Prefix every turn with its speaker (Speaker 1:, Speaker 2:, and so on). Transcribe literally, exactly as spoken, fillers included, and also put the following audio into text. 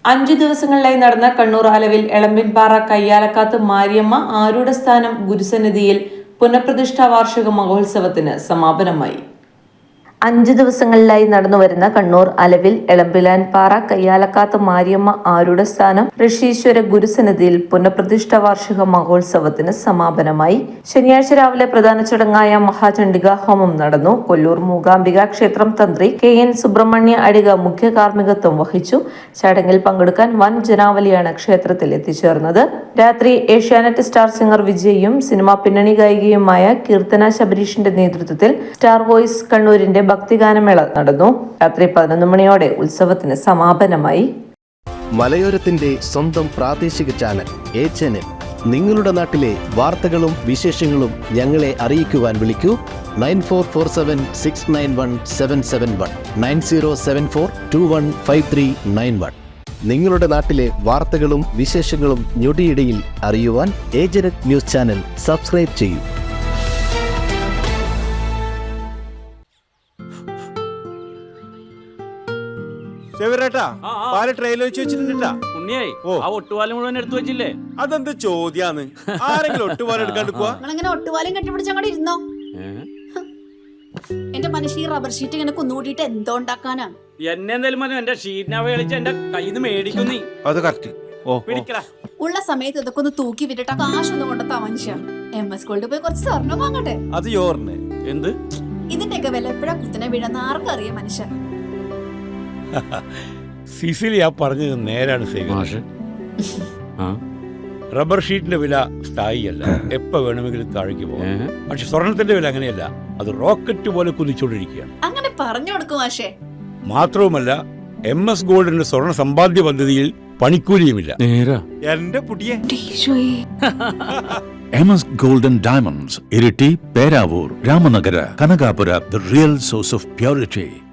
Speaker 1: അഞ്ചു ദിവസങ്ങളിലായി നടന്ന കണ്ണൂർ അലവിൽ എളമ്പിൻപാറ കയ്യാലക്കാത്ത് മാരിയമ്മ ആരൂഢ സ്ഥാനം ഗുരുസന്നിധിയിൽ പുനഃപ്രതിഷ്ഠാ വാർഷിക മഹോത്സവത്തിന് സമാപനമായി. അഞ്ചു ദിവസങ്ങളിലായി നടന്നുവരുന്ന കണ്ണൂർ അലവിൽ എളമ്പിലാൻപാറ കയ്യാലക്കാത്ത് മാരിയമ്മ ആരൂഢ സ്ഥാനം ഋഷീശ്വര ഗുരുസന്നിധിയിൽ പുനഃപ്രതിഷ്ഠാ വാർഷിക മഹോത്സവത്തിന് സമാപനമായി. ശനിയാഴ്ച രാവിലെ പ്രധാന ചടങ്ങായ മഹാചണ്ഡിക ഹോമം നടന്നു. കൊല്ലൂർ മൂകാംബിക ക്ഷേത്രം തന്ത്രി കെ എൻ സുബ്രഹ്മണ്യ അടിക മുഖ്യ കാർമ്മികത്വം വഹിച്ചു. ചടങ്ങിൽ പങ്കെടുക്കാൻ വൻ ജനാവലിയാണ് ക്ഷേത്രത്തിൽ എത്തിച്ചേർന്നത്. രാത്രി ഏഷ്യാനെറ്റ് സ്റ്റാർ സിംഗർ വിജയും സിനിമാ പിന്നണി ഗായികയുമായ കീർത്തന ശബരീഷിന്റെ നേതൃത്വത്തിൽ സ്റ്റാർ വോയിസ് കണ്ണൂരിന്റെ ഭക്തിഗാനമേള നടന്നു. രാത്രി പതിനൊന്ന് മണിയോടെ ഉത്സവത്തിന് സമാപനമായി.
Speaker 2: മലയോരത്തിന്റെ സ്വന്തം പ്രാദേശിക ചാനൽ എ ചാനൽ. നിങ്ങളുടെ നാട്ടിലെ വാർത്തകളും വിശേഷങ്ങളും ഞങ്ങളെ അറിയിക്കുവാൻ വിളിക്കൂ nine four four seven six nine one seven seven one nine zero seven four two one five three nine one. നിങ്ങളുടെ നാട്ടിലെ വാർത്തകളും വിശേഷങ്ങളും ഞൊടിയിടയിൽ അറിയുവാൻ ഏജനറ്റ് ന്യൂസ് ചാനൽ സബ്സ്ക്രൈബ് ചെയ്യൂ.
Speaker 3: അതെന്ത് ചോദ്യാന്ന്? ആരെങ്കിലും ഒട്ടുപാലം എടുക്കാണ്ട് പോവാ?
Speaker 4: ഒട്ടുപാലം കെട്ടിപ്പിടിച്ച് അങ്ങോട്ട് ഇരുന്നോ. എന്റെ മനുഷ്യ റബ്ബർ ഷീറ്റ് ഇങ്ങനെ കുന്നുകൂട്ടിട്ട് എന്തോ ഉണ്ടാക്കാനാ?
Speaker 5: എന്നെ എന്തായാലും മതി, എന്റെ ഷീറ്റിനെ കളിച്ച് എന്റെ കയ്യിൽ നിന്ന് മേടിക്കുന്നീ.
Speaker 3: അത് കറക്റ്റ്.
Speaker 4: ഉള്ള സമയത്ത് ഇതൊക്കെ ഒന്ന് തൂക്കി വിട്ടിട്ട് കാശൊന്നും കൊണ്ടെത്താ മനുഷ്യ. എം എസ് ഗോൾഡ് പോയി കുറച്ച് സ്വർണ്ണം വാങ്ങട്ടെ.
Speaker 3: അത് യോറിന്
Speaker 5: എന്ത്?
Speaker 4: ഇതിന്റെയൊക്കെ വില എപ്പോഴാ കുത്തനെ വീഴുന്ന ആർക്കും അറിയാം മനുഷ്യ.
Speaker 6: സിസിലി ആ പറഞ്ഞത് നേരാണ് സേവ. റബ്ബർ ഷീറ്റിന്റെ വില സ്ഥായിയല്ല, എപ്പോ വേണമെങ്കിലും താഴേക്ക് പോകാം. പക്ഷെ സ്വർണത്തിന്റെ വില അങ്ങനെയല്ല, അത് റോക്കറ്റ് പോലെ കുതിച്ചുകൊണ്ടിരിക്കുകയാണ്.
Speaker 4: അങ്ങനെ പറഞ്ഞു കൊടുക്കും മാഷേ.
Speaker 6: മാത്രവുമല്ല, എം എസ് ഗോൾഡിന്റെ സ്വർണ്ണ സമ്പാദ്യ പദ്ധതിയിൽ പണിക്കൂലിയുമില്ല.
Speaker 3: എന്റെ പുതിയ
Speaker 7: M S golden diamonds, Iritty, Peravoor, Ramanagara, Kanakapura, the real source of purity.